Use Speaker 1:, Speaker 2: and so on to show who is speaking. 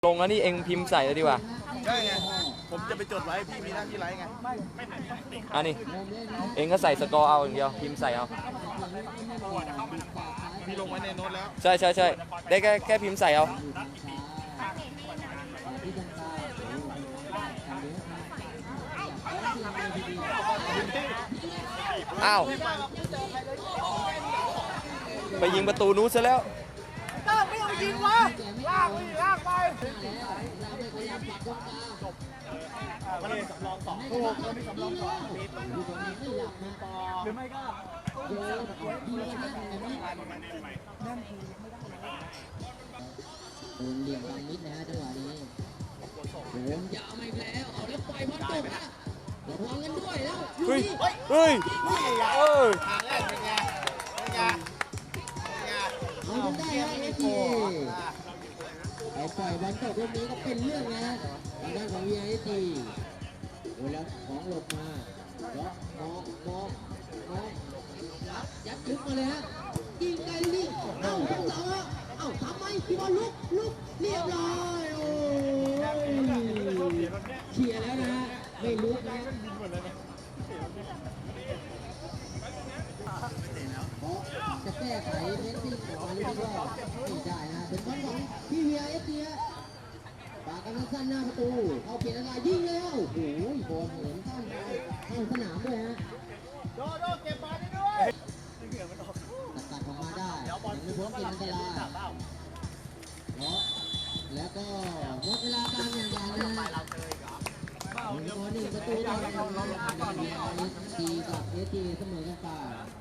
Speaker 1: ลงแล้วนี่เองพิมพ์ใส่เลยดีกว่า
Speaker 2: ได้ไงผมจะไปจดไว้พี่มีหน้าที่ไลฟ์ไง
Speaker 1: อันนี้เองก็ใส่สกอร์เอาอย่างเดียวพิมพ์ใส่เอา
Speaker 2: พี่ลงไว้ในโน้ตแล้ว
Speaker 1: ใช่ได้แค่พิมพ์ใส่เอาอ้าวไปยิงประตูนู้นซะแล้ว
Speaker 3: ตั้งไม่ต้องยิงวะลากไป
Speaker 2: มันมีสำรองสองถูกมันมีสำรองสองหรือไม่ก็
Speaker 4: เหลี่ยมบางนิดนะจังหวะนี้โดนยาวมาอีกแล้วเอาแล้วปล่อยบอลตกนะระวังกันด้วยแล้ว
Speaker 1: เฮ้ย
Speaker 2: ทางแรกเป็นไง
Speaker 4: เอาจนได้ฮะเอทีไอ้ปล่อยบอลตกลูกนี้ก็เป็นเรื่องนะทางด้านของวีไอทีโอ้แล้วของหลบมาแล้วมองยัดลึกมาเลยฮะยิงไกลลูกนี้เอ้าทั้งสองฮะเอ้าทำไมพี่บอลลุกเรียบร้อยโอ้เขี่ยแล้วนะฮะไม่ลุกนะจะแก้ไขเน้นที่ของอาลีก็ไม่ได้นะเป็นบอลของพี่เวียเอสเซียปากกันสั้นหน้าประตูเอาเปลี่ยนอะไรยิงแล้วโอ้โหบอลเหมือนเข้าสนามด้วยฮะ
Speaker 2: โดเก็บบอลได้ด้วย
Speaker 4: ตัดออกมาได้ยังไม่พ้นเกมอันตรายแล้วก็หมดเวลาการแข่งขันนะ1-1ประตูต่อ1ทีกับเอสจีเสมอกันไป